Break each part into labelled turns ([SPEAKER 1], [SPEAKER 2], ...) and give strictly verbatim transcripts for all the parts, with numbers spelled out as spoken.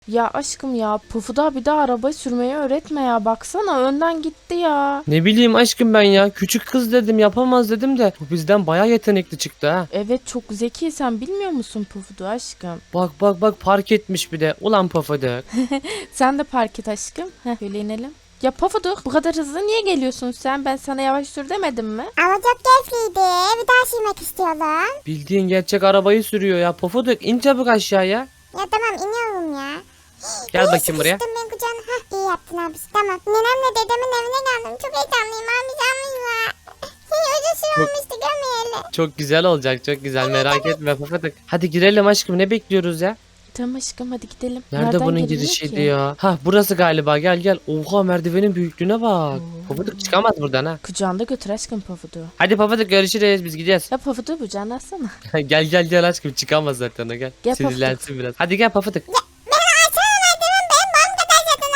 [SPEAKER 1] Ya aşkım ya Pufuda bir daha araba sürmeyi öğretme ya. Baksana önden gitti ya.
[SPEAKER 2] Ne bileyim aşkım ben ya. Küçük kız dedim, yapamaz dedim de bu bizden baya yetenekli çıktı ha.
[SPEAKER 1] Evet çok zeki, sen bilmiyor musun Pufudu aşkım?
[SPEAKER 2] Bak bak bak, park etmiş bir de. Ulan Pofuduk.
[SPEAKER 1] Sen de park et aşkım. Heh, şöyle inelim. Ya Pufuduk bu kadar hızlı niye geliyorsun sen? Ben sana yavaş sür demedim mi?
[SPEAKER 3] Ama çok keyifliydi. Bir daha sürmek istiyorum.
[SPEAKER 2] Bildiğin gerçek arabayı sürüyor ya. Pofuduk in çabuk aşağıya.
[SPEAKER 3] Ya tamam iniyorum ya.
[SPEAKER 2] Gel
[SPEAKER 3] İyi
[SPEAKER 2] bakayım buraya.
[SPEAKER 3] sıkıştım ben kucağına. Hah iyi yaptın abi. Tamam. Nenemle dedemin evine geldim. Çok heyecanlıyım abi. Canlıyım. Uzun süre olmuştu görmeyeli.
[SPEAKER 2] Çok güzel olacak, çok güzel, merak etme Pofuduk. Hadi girelim aşkım, ne bekliyoruz ya?
[SPEAKER 1] Tamam aşkım hadi gidelim.
[SPEAKER 2] Nerede
[SPEAKER 1] Nereden
[SPEAKER 2] bunun
[SPEAKER 1] giriliyor
[SPEAKER 2] girişiydi
[SPEAKER 1] ki?
[SPEAKER 2] ya? Ha burası galiba, gel gel. Oha, merdivenin büyüklüğüne bak. Pofuduk çıkamaz buradan ha.
[SPEAKER 1] Kucağında götür aşkım Pufudu.
[SPEAKER 2] Hadi Pofuduk, görüşürüz, biz gidiyoruz.
[SPEAKER 1] Ya Pufudu kucağına alsana.
[SPEAKER 2] Gel gel gel aşkım, çıkamaz zaten o, gel.
[SPEAKER 1] Gel
[SPEAKER 2] Sinirlensin biraz. Hadi gel Pofuduk.
[SPEAKER 3] Beni açsana merdiven. Benim boyum kadar zaten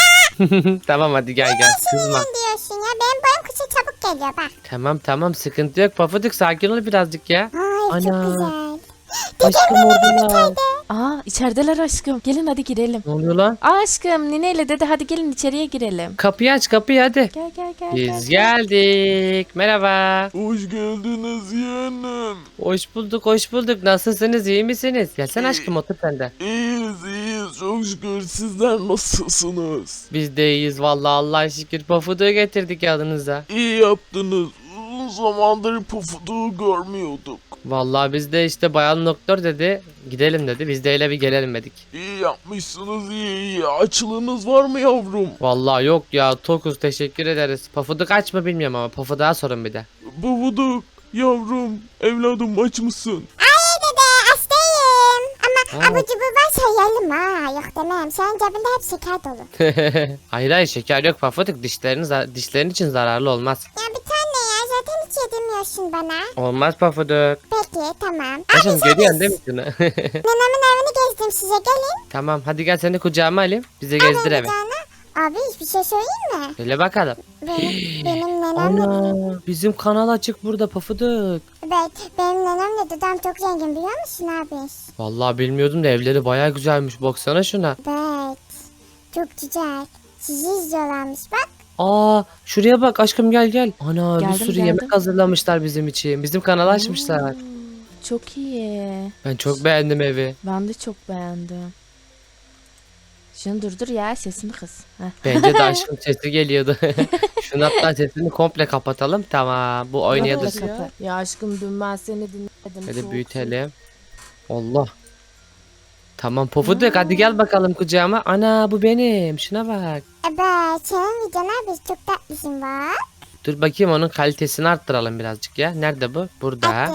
[SPEAKER 3] abisi ya.
[SPEAKER 2] Tamam hadi gel gel, kızma.
[SPEAKER 3] Ne diyorsun ya? Benim boyum kısa çabuk geliyor bak.
[SPEAKER 2] Tamam tamam, sıkıntı yok Pofuduk, sakin ol birazcık ya.
[SPEAKER 3] Ay çok
[SPEAKER 2] Ana.
[SPEAKER 3] güzel.
[SPEAKER 2] Aşkım oradalar.
[SPEAKER 1] Aa içerideler aşkım. Gelin hadi girelim.
[SPEAKER 2] Ne oluyor lan?
[SPEAKER 1] Aa aşkım nineyle dede hadi gelin içeriye girelim.
[SPEAKER 2] Kapıyı aç, kapıyı hadi.
[SPEAKER 1] Gel gel gel.
[SPEAKER 2] Biz
[SPEAKER 1] gel.
[SPEAKER 2] geldik. Merhaba.
[SPEAKER 4] Hoş geldiniz yeğenim.
[SPEAKER 2] Hoş bulduk, hoş bulduk. Nasılsınız, iyi misiniz? Gelsene aşkım, otur sen de.
[SPEAKER 4] İyiyiz iyiyiz çok şükür, sizler nasılsınız?
[SPEAKER 2] Biz de iyiyiz vallahi, Allah'a şükür. Pofuduk'u getirdik yanınıza.
[SPEAKER 4] İyi yaptınız. Uzun zamandır Pufuduğu görmüyorduk.
[SPEAKER 2] Vallahi biz de işte bayan doktor dedi. Gidelim dedi. Biz de öyle bir gelelim dedik.
[SPEAKER 4] İyi yapmışsınız, iyi iyi. Açlığınız var mı yavrum?
[SPEAKER 2] Vallahi yok ya, tokuz, teşekkür ederiz. Pofuduk aç mı bilmiyorum ama Pofuduk'a sorun bir de.
[SPEAKER 4] Pufuduk yavrum, evladım aç mısın?
[SPEAKER 3] Ay dede hastayım. Ama
[SPEAKER 2] Aa.
[SPEAKER 3] abur cubur varsa yiyelim ha. Yok demem. Senin cebinde hep şeker dolu.
[SPEAKER 2] Hayır hayır, şeker yok Pofuduk. Dişlerin, za- dişlerin için zararlı olmaz.
[SPEAKER 3] Ya bir tane ya. Zaten hiç yedirmiyorsun bana.
[SPEAKER 2] Olmaz Pofuduk.
[SPEAKER 3] Peki tamam.
[SPEAKER 2] Aşkım
[SPEAKER 3] Abi sen
[SPEAKER 2] görüyorsun değil mi şunu?
[SPEAKER 3] nenemin evini gezdim size gelin.
[SPEAKER 2] Tamam hadi gel, seni kucağıma alayım. Bize gezdir eve.
[SPEAKER 3] Kucağına. Abi hiçbir şey söyleyeyim mi?
[SPEAKER 2] Öyle bakalım.
[SPEAKER 3] Benim, benim nenem
[SPEAKER 2] Ana, bizim kanal açık burada Pofuduk.
[SPEAKER 3] evet, benim nenemle dedem çok zengin biliyor musun abi?
[SPEAKER 2] Vallahi bilmiyordum da evleri bayağı güzelmiş. Baksana şuna.
[SPEAKER 3] Evet. Çok güzel. Sizi izliyorlarmış bak.
[SPEAKER 2] Aa, şuraya bak aşkım, gel gel. Ana,
[SPEAKER 1] Geldim,
[SPEAKER 2] bir sürü
[SPEAKER 1] geldim.
[SPEAKER 2] yemek hazırlamışlar bizim için. Bizim kanalı açmışlar.
[SPEAKER 1] Hmm, çok iyi.
[SPEAKER 2] Ben çok beğendim evi.
[SPEAKER 1] Ben de çok beğendim. Şunu durdur ya sesini kız. Heh.
[SPEAKER 2] Bence de aşkım sesi geliyordu. Şunu hatta sesini komple kapatalım. Tamam, bu oynaya
[SPEAKER 1] Kapı,
[SPEAKER 2] dursun.
[SPEAKER 1] kapı. Ya aşkım dün ben seni dinledim.
[SPEAKER 2] Hadi
[SPEAKER 1] çok
[SPEAKER 2] büyütelim. Allah. Tamam Pofuduk, hadi gel bakalım kucağıma. Ana, bu benim. Şuna bak.
[SPEAKER 3] Evet, senin videon abi çok tatlısın bak.
[SPEAKER 2] Dur bakayım, onun kalitesini arttıralım birazcık ya. Nerede bu? Burada.
[SPEAKER 3] Hadi.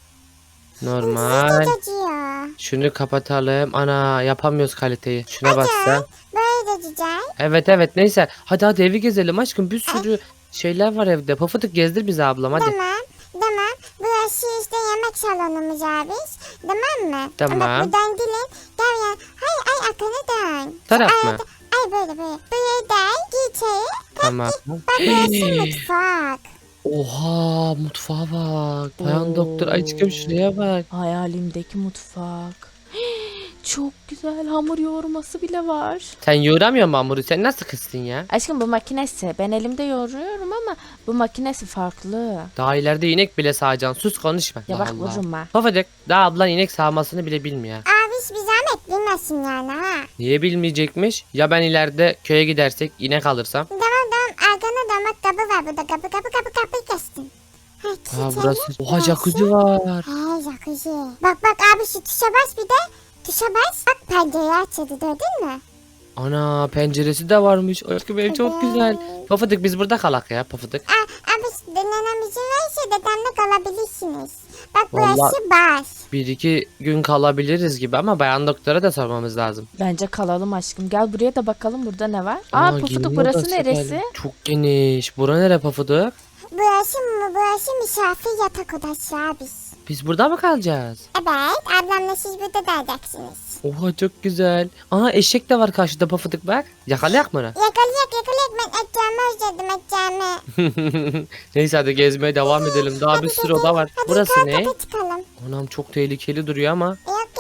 [SPEAKER 2] Normal.
[SPEAKER 3] Acıyor.
[SPEAKER 2] Şunu kapatalım. Ana, yapamıyoruz kaliteyi. Şuna baksa.
[SPEAKER 3] Böyle de güzel.
[SPEAKER 2] Evet evet, neyse. Hadi hadi evi gezelim aşkım. Bir sürü şeyler var evde. Pofuduk gezdir bizi ablam hadi.
[SPEAKER 3] Tamam. Tamam. Burası işte yemek salonumuz abi. Tamam mı?
[SPEAKER 2] Tamam.
[SPEAKER 3] Bak buradan gelin. Gel ya. Hay ay arkana dön.
[SPEAKER 2] Taraf
[SPEAKER 3] Ay,
[SPEAKER 2] mı?
[SPEAKER 3] Ay böyle böyle. Buraya dön. Gir içeri.
[SPEAKER 2] Tamam.
[SPEAKER 3] Bak burası mutfak.
[SPEAKER 2] Oha, mutfağa bak. Bayan
[SPEAKER 1] Oo.
[SPEAKER 2] doktor aşkım şuraya bak.
[SPEAKER 1] Hayalimdeki mutfak. Çok güzel hamur yoğurması bile var.
[SPEAKER 2] Sen yoğuramıyor musun hamuru? Sen nasıl kızsın ya?
[SPEAKER 1] Aşkım bu makinesi. Ben elimde yoğuruyorum ama bu makinesi farklı.
[SPEAKER 2] Daha ileride inek bile sağacaksın. Sus, konuşma.
[SPEAKER 1] Ya
[SPEAKER 2] Allah
[SPEAKER 1] bak
[SPEAKER 2] Allah.
[SPEAKER 1] vururum ha.
[SPEAKER 2] Pofuduk, daha ablan inek sağmasını bile bilmiyor.
[SPEAKER 3] Abi bir zahmet bilmesin yani ha.
[SPEAKER 2] Niye bilmeyecekmiş? Ya ben ileride köye gidersek inek alırsam?
[SPEAKER 3] Tamam tamam. Arkana dön bak kapı var burada. Kapı kapı kapı kapıyı kestin. Ha,
[SPEAKER 2] Ha
[SPEAKER 3] içeri.
[SPEAKER 2] burası. Oha,
[SPEAKER 3] Burası.
[SPEAKER 2] jacuzzi var.
[SPEAKER 3] He jacuzzi. Bak bak abi şu tuşa bas bir de. Tuşa bas. Bak pencereyi açıldı gördün mü?
[SPEAKER 2] Ana, penceresi de varmış. Aşkım ev çok güzel. Pofuduk, biz burada kalak ya Pofuduk.
[SPEAKER 3] Aa, abi nenem izin verirse dedemle kalabilirsiniz. Bak
[SPEAKER 2] Vallahi-
[SPEAKER 3] burası bas.
[SPEAKER 2] Bir iki gün kalabiliriz gibi ama bayan doktora da sormamız lazım.
[SPEAKER 1] Bence kalalım aşkım. Gel buraya da bakalım burada ne var.
[SPEAKER 2] Aa,
[SPEAKER 1] Aa
[SPEAKER 2] giyinme
[SPEAKER 1] Pufuduk burası
[SPEAKER 2] odası
[SPEAKER 1] neresi?
[SPEAKER 2] geldi. Çok geniş. Bura nere Pofuduk?
[SPEAKER 3] Burası mı? Burası misafir yatak odası abi.
[SPEAKER 2] Biz burada mı kalacağız?
[SPEAKER 3] Evet ablamla siz burada dalacaksınız.
[SPEAKER 2] Oha, çok güzel. Aa, eşek de var karşıda Pofuduk bak. Yakalayak mı onu?
[SPEAKER 3] Yakalayak yakalayak ben edeceğimi özledim edeceğimi.
[SPEAKER 2] Neyse hadi gezmeye devam edelim. Daha bir sürü oda var.
[SPEAKER 3] Hadi
[SPEAKER 2] Burası
[SPEAKER 3] yukarı
[SPEAKER 2] ne?
[SPEAKER 3] kata çıkalım.
[SPEAKER 2] Anam, çok tehlikeli duruyor ama.
[SPEAKER 3] Yok yok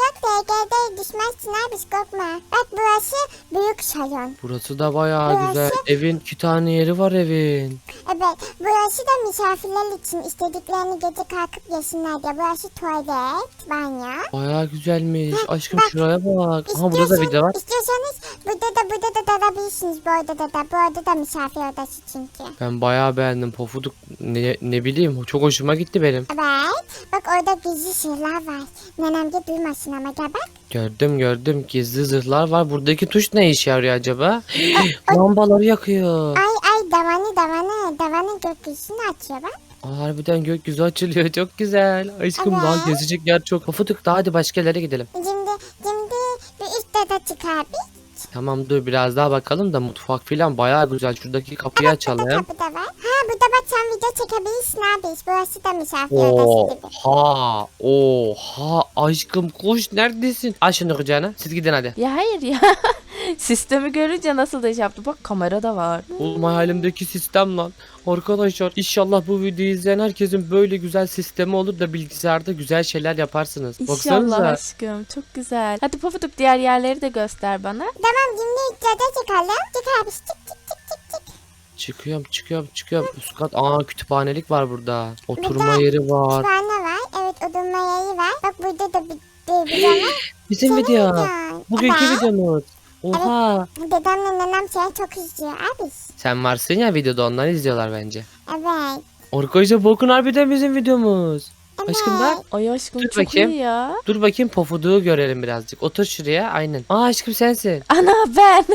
[SPEAKER 3] gel düşmezsin abi korkma. Bak burası büyük salon.
[SPEAKER 2] Burası da bayağı
[SPEAKER 3] Burası-
[SPEAKER 2] güzel. Evin iki tane yeri var evin.
[SPEAKER 3] Evet burası da misafirler için istediklerini gece kalkıp yesinler diye. Burası tuvalet, banyo.
[SPEAKER 2] Bayağı güzelmiş. Aşkım
[SPEAKER 3] bak.
[SPEAKER 2] şuraya bak. Aha burada da
[SPEAKER 3] İstiyorsan-
[SPEAKER 2] video var.
[SPEAKER 3] İstiyorsanız burada da burada da dalabilirsiniz bu odada da. Bu odada misafir odası çünkü.
[SPEAKER 2] Ben bayağı beğendim Pofuduk. Ne, ne bileyim çok hoşuma gitti benim.
[SPEAKER 3] Evet. Bak orada gizli sırlar var. Nenem de duymasın ama gel bak.
[SPEAKER 2] Gördüm gördüm gizli zırhlar var. Buradaki tuş ne işe yarıyor acaba? Lambaları yakıyor.
[SPEAKER 3] Ay ay davanı davanı. Davanın gökyüzünü açıyor bak.
[SPEAKER 2] Aa, harbiden gökyüzü açılıyor. Çok güzel. Aşkım
[SPEAKER 3] Evet.
[SPEAKER 2] daha gezecek yer çok. Pofuduk daha hadi başka yerlere gidelim.
[SPEAKER 3] Şimdi şimdi bir üst oda çıkar bir.
[SPEAKER 2] Tamam dur biraz daha bakalım da mutfak filan bayağı güzel. Şuradaki kapıyı açalım.
[SPEAKER 3] Kapı da var. Ha burada bak sen video çekebilirsin abi. Burası da misafir odası gibi.
[SPEAKER 2] Oha. Oha. Aşkım koş neredesin? Aç şunu kucağına. Siz gidin hadi.
[SPEAKER 1] Ya hayır ya. Sistemi görünce nasıl da şey yaptı. Bak kamera da var.
[SPEAKER 2] Oğlum hayalimdeki sistem lan. Arkadaşlar inşallah bu videoyu izleyen herkesin böyle güzel sistemi olur da bilgisayarda güzel şeyler yaparsınız.
[SPEAKER 1] İnşallah
[SPEAKER 2] Baksanıza.
[SPEAKER 1] aşkım. Çok güzel. Hadi Pofuduk diğer yerleri de göster bana.
[SPEAKER 3] Tamam şimdi üst oda çıkalım. Çık abi çık çık çık çık çık.
[SPEAKER 2] Çıkıyorum çıkıyorum çıkıyorum. Üst kat. Aa kütüphanelik var burada. Oturma
[SPEAKER 3] Burada
[SPEAKER 2] yeri var.
[SPEAKER 3] Kütüphane var. Evet oturma yeri var. Bak burada da bir bir video var.
[SPEAKER 2] Bizim
[SPEAKER 3] Senin
[SPEAKER 2] video.
[SPEAKER 3] videon.
[SPEAKER 2] Bugünkü
[SPEAKER 3] Evet.
[SPEAKER 2] videomuz. Oha.
[SPEAKER 3] Dedemle nenem seni çok izliyor abi.
[SPEAKER 2] Sen varsın ya videoda onları izliyorlar bence.
[SPEAKER 3] Evet.
[SPEAKER 2] Arkadaşlar bakın harbiden bizim videomuz.
[SPEAKER 3] Evet.
[SPEAKER 2] Aşkım bak.
[SPEAKER 1] Ay aşkım
[SPEAKER 2] Dur
[SPEAKER 1] çok
[SPEAKER 2] bakayım.
[SPEAKER 1] iyi ya.
[SPEAKER 2] Dur bakayım Pofuduk'u görelim birazcık. Otur şuraya aynen. Aa aşkım sensin.
[SPEAKER 1] Ana ben.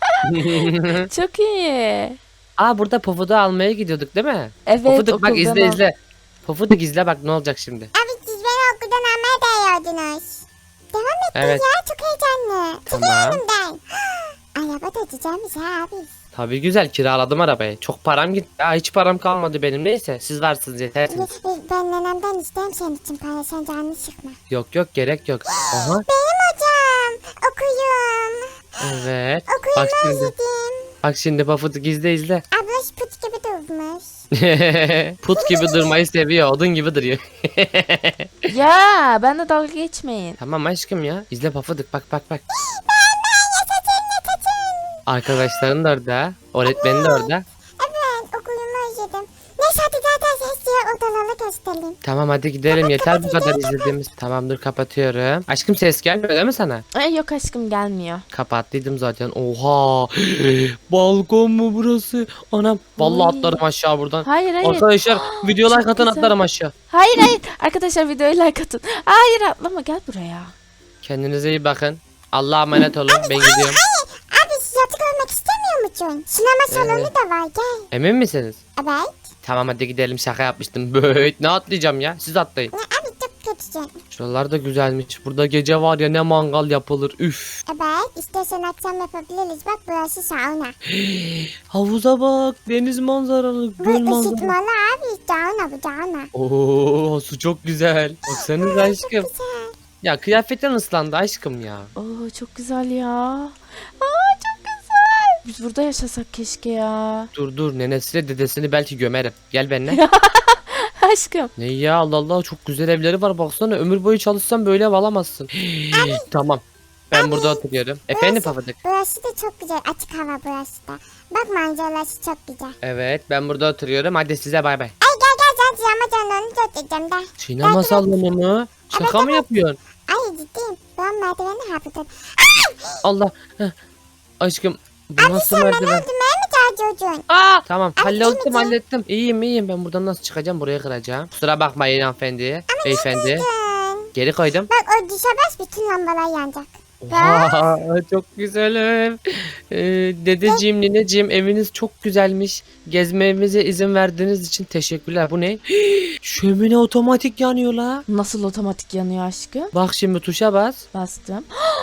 [SPEAKER 1] Çok iyi.
[SPEAKER 2] Aa burada Pofuduk'u almaya gidiyorduk değil mi?
[SPEAKER 1] Evet
[SPEAKER 2] Pofuduk bak
[SPEAKER 1] okuldan
[SPEAKER 2] izle
[SPEAKER 1] al-
[SPEAKER 2] izle. Pofuduk izle bak ne olacak şimdi.
[SPEAKER 3] Abi siz beni okuldan almaya değiyordunuz. Devam et
[SPEAKER 2] Evet.
[SPEAKER 3] ya çok heyecanlı.
[SPEAKER 2] Tamam.
[SPEAKER 3] Çıkıyorum ben. Araba da güzelmiş ha abi.
[SPEAKER 2] Tabii güzel kiraladım arabayı. Çok param gitti. Aa, hiç param kalmadı benim. Neyse siz varsınız yetersiniz.
[SPEAKER 3] Ben nenemden isteyeyim senin için para sen canını sıkma.
[SPEAKER 2] Yok yok gerek yok. Aha
[SPEAKER 3] Benim hocam okuyum.
[SPEAKER 2] evet. Bak
[SPEAKER 3] Okuyumu
[SPEAKER 2] şimdi.
[SPEAKER 3] özledim.
[SPEAKER 2] Bak şimdi Pofuduk izle izle.
[SPEAKER 3] Abla şu put gibi durmuş.
[SPEAKER 2] Put gibi durmayı seviyor. Odun gibi duruyor.
[SPEAKER 1] Ya ben de dalga geçmeyin.
[SPEAKER 2] Tamam aşkım ya. İzle Pofuduk bak bak bak. Arkadaşların da orada. Öğretmenin de orada.
[SPEAKER 3] Evet okuyumu özledim. Neyse hadi zaten ses diye odaları gösterelim.
[SPEAKER 2] Tamam hadi gidelim. Yeter bu kadar izlediğimiz. Tamam dur kapatıyorum. Aşkım ses gelmiyor değil mi sana?
[SPEAKER 1] Ay yok aşkım gelmiyor.
[SPEAKER 2] Kapattıydım zaten. Oha. Balkon mu burası? Anam. Vallahi
[SPEAKER 1] Oy.
[SPEAKER 2] atlarım aşağı buradan.
[SPEAKER 1] Hayır hayır.
[SPEAKER 2] Arkadaşlar video like
[SPEAKER 1] Çok
[SPEAKER 2] atın
[SPEAKER 1] güzel.
[SPEAKER 2] atlarım aşağı.
[SPEAKER 1] Hayır hayır. Arkadaşlar videoyu like atın. Hayır atlama gel buraya.
[SPEAKER 2] Kendinize iyi bakın. Allah'a emanet olun. Ben gidiyorum.
[SPEAKER 3] Abi yatı görmek istemiyor musun? Sinema salonu
[SPEAKER 2] Evet.
[SPEAKER 3] da var gel.
[SPEAKER 2] Emin misiniz?
[SPEAKER 3] Evet.
[SPEAKER 2] Tamam hadi gidelim şaka yapmıştım. Böyt ne atlayacağım ya? Siz atlayın.
[SPEAKER 3] Ne abi çok kötüsün.
[SPEAKER 2] Şuralar da güzelmiş. Burada gece var ya ne mangal yapılır. Üf.
[SPEAKER 3] Evet istersen akşam yapabiliriz. Bak burası sauna.
[SPEAKER 2] Havuza bak. Deniz manzaralı.
[SPEAKER 3] Bu
[SPEAKER 2] Göl manzaralı.
[SPEAKER 3] ısıtmalı abi. Sauna bu sauna.
[SPEAKER 2] Oo su çok güzel. Baksanıza aşkım.
[SPEAKER 3] Güzel.
[SPEAKER 2] Ya kıyafetin ıslandı aşkım ya.
[SPEAKER 1] Oo çok güzel ya. Aa çok güzel. Biz burada yaşasak keşke ya.
[SPEAKER 2] Dur dur nenesiyle dedesini belki gömerim. Gel benimle.
[SPEAKER 1] Aşkım.
[SPEAKER 2] Ne ya Allah Allah çok güzel evleri var baksana ömür boyu çalışsan böyle ev alamazsın. Tamam. Ben burada oturuyorum. Efendim Pofuduk.
[SPEAKER 3] Burası da çok güzel. Açık hava burası da. Bak manzarası çok güzel.
[SPEAKER 2] Evet ben burada oturuyorum. Hadi size bay bay.
[SPEAKER 3] Ay gel gel sen sinema salonunu göstereceğim de.
[SPEAKER 2] Sinema salonu mu? Şaka mı yapıyorsun?
[SPEAKER 3] Ay ciddiyim. Ben merdiveni hafiften.
[SPEAKER 2] Allah. Heh. Aşkım bu
[SPEAKER 3] Abi
[SPEAKER 2] nasıl
[SPEAKER 3] sen beni
[SPEAKER 2] merdiven?
[SPEAKER 3] öldürmeye mi çalışıyorsun?
[SPEAKER 2] Aa, tamam
[SPEAKER 3] Abi,
[SPEAKER 2] hallettim
[SPEAKER 3] gitmeyeceğim.
[SPEAKER 2] hallettim. İyiyim iyiyim ben buradan nasıl çıkacağım buraya kıracağım. Kusura bakmayın hanımefendi. Beyefendi.
[SPEAKER 3] Dön.
[SPEAKER 2] Geri koydum.
[SPEAKER 3] Bak o dışa bas bütün lambalar yanacak.
[SPEAKER 2] Oha, çok güzel ev. Ee, dedeciğim, nineciğim eviniz çok güzelmiş. Gezmemize izin verdiğiniz için teşekkürler. Bu ne? Şömine otomatik yanıyor la.
[SPEAKER 1] Nasıl otomatik yanıyor aşkım?
[SPEAKER 2] Bak şimdi tuşa bas.
[SPEAKER 1] Bastım.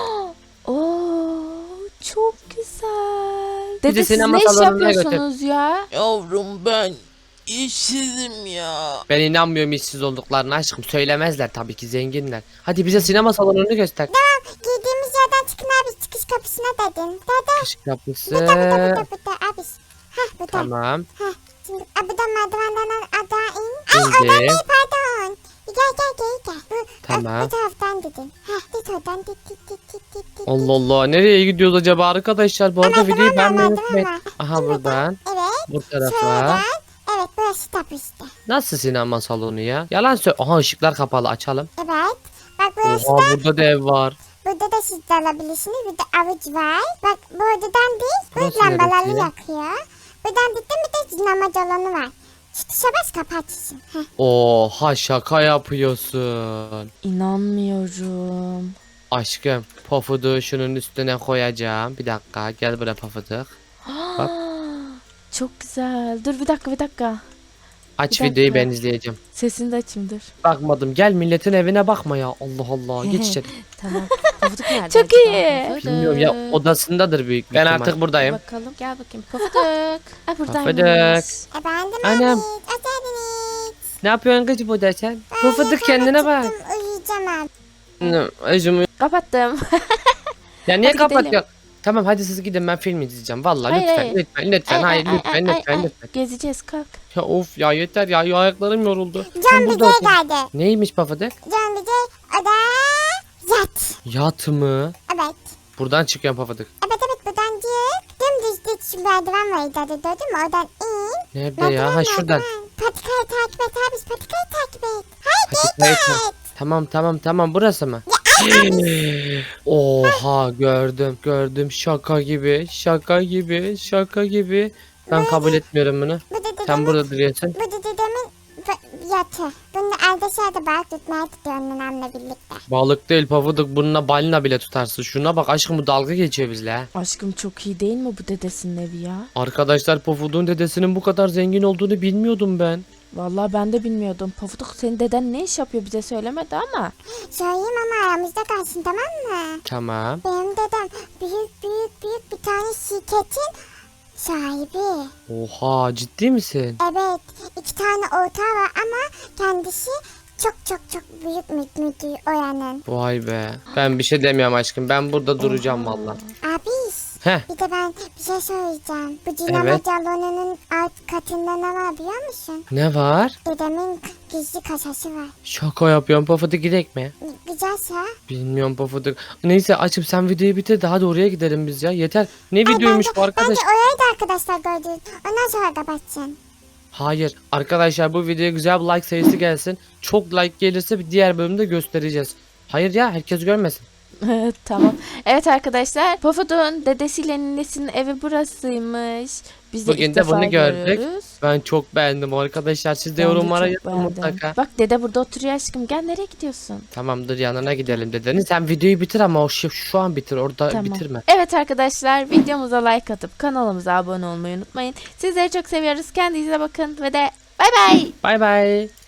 [SPEAKER 1] Oo çok güzel.
[SPEAKER 2] Bir de
[SPEAKER 1] Dede siz
[SPEAKER 2] sinema
[SPEAKER 1] ne iş
[SPEAKER 2] salonuna götür.
[SPEAKER 1] yapıyorsunuz ya?
[SPEAKER 4] Yavrum ben işsizim ya.
[SPEAKER 2] Ben inanmıyorum işsiz olduklarına aşkım. Söylemezler tabii ki zenginler. Hadi bize sinema salonunu göster.
[SPEAKER 3] Girdiğimiz yerden çıkın abi çıkış kapısına dedin. Dede.
[SPEAKER 2] Kış kapısı.
[SPEAKER 3] Burada burada burada burada abi. Heh burada.
[SPEAKER 2] Tamam.
[SPEAKER 3] Heh. Şimdi a, buradan merdivenden aşağı in. Ay
[SPEAKER 2] İndim.
[SPEAKER 3] oradan değil pardon. gel gel gel gel. Bu,
[SPEAKER 2] Tamam.
[SPEAKER 3] Bu taraftan dedin. Heh git oradan dit dit dit dit dit dit.
[SPEAKER 2] Allah Allah, nereye gidiyoruz acaba arkadaşlar? Bu arada
[SPEAKER 3] Merdiven
[SPEAKER 2] videoyu
[SPEAKER 3] var,
[SPEAKER 2] beğenmeyi
[SPEAKER 3] merdiven
[SPEAKER 2] unutmayın.
[SPEAKER 3] var.
[SPEAKER 2] Aha buradan.
[SPEAKER 3] Evet.
[SPEAKER 2] Bu tarafa.
[SPEAKER 3] Şuradan. Evet burası tapu işte.
[SPEAKER 2] Nasıl sinema salonu ya? Yalan söyle. Aha ışıklar kapalı, açalım.
[SPEAKER 3] Evet. Bak burası
[SPEAKER 2] Oha,
[SPEAKER 3] da.
[SPEAKER 2] burada da ev var.
[SPEAKER 3] Burada da siz de alabilirsiniz. Burada avuç var. Bak bu odadan değil. Bu
[SPEAKER 2] Burası
[SPEAKER 3] lambalarını
[SPEAKER 2] neresi?
[SPEAKER 3] yakıyor. Buradan değil bir de dinamaz alanı var. Şu tuşa bas kapatırsın. Heh.
[SPEAKER 2] Oha, şaka yapıyorsun.
[SPEAKER 1] İnanmıyorum.
[SPEAKER 2] Aşkım, Pofud'u şunun üstüne koyacağım. Bir dakika, gel buraya Pofuduk. Bak.
[SPEAKER 1] Çok güzel. Dur bir dakika bir dakika.
[SPEAKER 2] Aç
[SPEAKER 1] Bir
[SPEAKER 2] videoyu,
[SPEAKER 1] dakika.
[SPEAKER 2] ben izleyeceğim.
[SPEAKER 1] Sesini de açayım dur.
[SPEAKER 2] Bakmadım, gel milletin evine bakma ya. Allah Allah, geç içeri.
[SPEAKER 1] Tamam. Pofuduk nerede? Çok acaba? iyi. Pofuduk.
[SPEAKER 2] Bilmiyorum ya, odasındadır büyük bir Ben ihtimal.
[SPEAKER 1] Bir
[SPEAKER 2] artık buradayım.
[SPEAKER 1] bakalım. Gel bakayım. Pofuduk. Ay buradaymış.
[SPEAKER 2] Pofuduk.
[SPEAKER 3] Efendim
[SPEAKER 2] Annem.
[SPEAKER 3] Ahmet. Hoş geldiniz.
[SPEAKER 2] Ne yapıyorsun kız burada sen?
[SPEAKER 3] Ben
[SPEAKER 2] Pofuduk,
[SPEAKER 3] yatağıma
[SPEAKER 2] kendine bak.
[SPEAKER 3] çıktım, Uyuyacağım abi.
[SPEAKER 2] Ne, Özüm.
[SPEAKER 1] Kapattım.
[SPEAKER 2] Ya niye
[SPEAKER 1] Hadi
[SPEAKER 2] kapatıyorsun?
[SPEAKER 1] gidelim.
[SPEAKER 2] Tamam hadi siz gidin, ben film izleyeceğim. Vallahi
[SPEAKER 1] Hayır,
[SPEAKER 2] lütfen,
[SPEAKER 1] hayır.
[SPEAKER 2] lütfen lütfen
[SPEAKER 1] Ay,
[SPEAKER 2] hayır
[SPEAKER 1] ay,
[SPEAKER 2] lütfen
[SPEAKER 1] ay,
[SPEAKER 2] lütfen
[SPEAKER 1] ay, ay.
[SPEAKER 2] lütfen.
[SPEAKER 1] Gezeceğiz kalk.
[SPEAKER 2] Ya of ya, yeter ya, ya ayaklarım yoruldu.
[SPEAKER 3] Can
[SPEAKER 2] Sen
[SPEAKER 3] bize
[SPEAKER 2] burada otur.
[SPEAKER 3] geldi.
[SPEAKER 2] Neymiş Pofuduk?
[SPEAKER 3] Can bize oda yat.
[SPEAKER 2] Yat mı?
[SPEAKER 3] Evet.
[SPEAKER 2] Buradan çıkıyorum Pofuduk.
[SPEAKER 3] Evet evet buradan çık. Dümdüz git şu merdiven var ileride gördün mü? Oradan in.
[SPEAKER 2] Nerede ya? Ha şuradan.
[SPEAKER 3] merdiven. Patikayı takip et abi. Patikayı takip et. Haydi
[SPEAKER 2] Patikayı
[SPEAKER 3] git.
[SPEAKER 2] tak- Tamam tamam tamam, burası mı? Oha, gördüm gördüm, şaka gibi şaka gibi şaka gibi. Ben kabul etmiyorum bunu.
[SPEAKER 3] Bu da dedemin,
[SPEAKER 2] Sen burada duruyorsun.
[SPEAKER 3] bu da dedemin b- yatı. Bunu arkadaşlar balık tutmaya gidiyor annemle birlikte.
[SPEAKER 2] Balık değil Pofuduk, bununla balina bile tutarsın. Şuna bak aşkım, bu dalga geçiyor bizle ha.
[SPEAKER 1] Aşkım çok iyi değil mi bu dedesinin evi ya?
[SPEAKER 2] Arkadaşlar, Pofuduk'un dedesinin bu kadar zengin olduğunu bilmiyordum ben.
[SPEAKER 1] Vallahi ben de bilmiyordum. Pofuduk senin deden ne iş yapıyor bize söylemedi ama.
[SPEAKER 3] Söyleyeyim ama aramızda kalsın tamam mı?
[SPEAKER 2] Tamam.
[SPEAKER 3] Benim dedem büyük büyük büyük bir tane şirketin sahibi.
[SPEAKER 2] Oha, ciddi misin?
[SPEAKER 3] Evet iki tane ortağı var ama kendisi çok çok çok büyük mü- müdür oranın.
[SPEAKER 2] Vay be. Ben bir şey demiyorum aşkım. Ben burada duracağım valla.
[SPEAKER 3] Abi
[SPEAKER 2] Heh.
[SPEAKER 3] bir de ben bir şey söyleyeceğim. Bu dinamo
[SPEAKER 2] Evet.
[SPEAKER 3] salonunun alt katında ne var biliyor musun?
[SPEAKER 2] Ne var?
[SPEAKER 3] Dedemin gizli kasası var.
[SPEAKER 2] Şaka yapıyorum. Pofuduk, gidek mi?
[SPEAKER 3] Güzelse.
[SPEAKER 2] Bilmiyorum Pofuduk. Neyse açıp sen videoyu bitir, daha da oraya gidelim biz ya. Yeter. Ne
[SPEAKER 3] Ay,
[SPEAKER 2] videoymuş
[SPEAKER 3] bence,
[SPEAKER 2] bu arkadaş?
[SPEAKER 3] Bence orayı da arkadaşlar gördünüz. Ondan sonra kapatacaksın.
[SPEAKER 2] Hayır. Arkadaşlar, bu videoya güzel bir like sayısı gelsin. Çok like gelirse bir diğer bölümde göstereceğiz. Hayır ya, herkes görmesin.
[SPEAKER 1] Tamam. Evet arkadaşlar. Pofuduk'un dedesiyle ninesinin evi burasıymış. Biz de
[SPEAKER 2] Bugün
[SPEAKER 1] ilk
[SPEAKER 2] de
[SPEAKER 1] defa
[SPEAKER 2] bunu gördük.
[SPEAKER 1] görüyoruz.
[SPEAKER 2] Ben çok beğendim arkadaşlar. Siz de
[SPEAKER 1] Ben de
[SPEAKER 2] yorumlara
[SPEAKER 1] çok
[SPEAKER 2] yazın
[SPEAKER 1] beğendim.
[SPEAKER 2] mutlaka.
[SPEAKER 1] Bak dede burada oturuyor aşkım. Gel nereye gidiyorsun?
[SPEAKER 2] Tamamdır, yanına gidelim dedeni. Sen videoyu bitir ama o şu, şu an bitir. Orada
[SPEAKER 1] Tamam.
[SPEAKER 2] bitirme.
[SPEAKER 1] Evet arkadaşlar videomuza like atıp kanalımıza abone olmayı unutmayın. Sizleri çok seviyoruz. Kendinize bakın ve de bay bay.
[SPEAKER 2] Bay bay.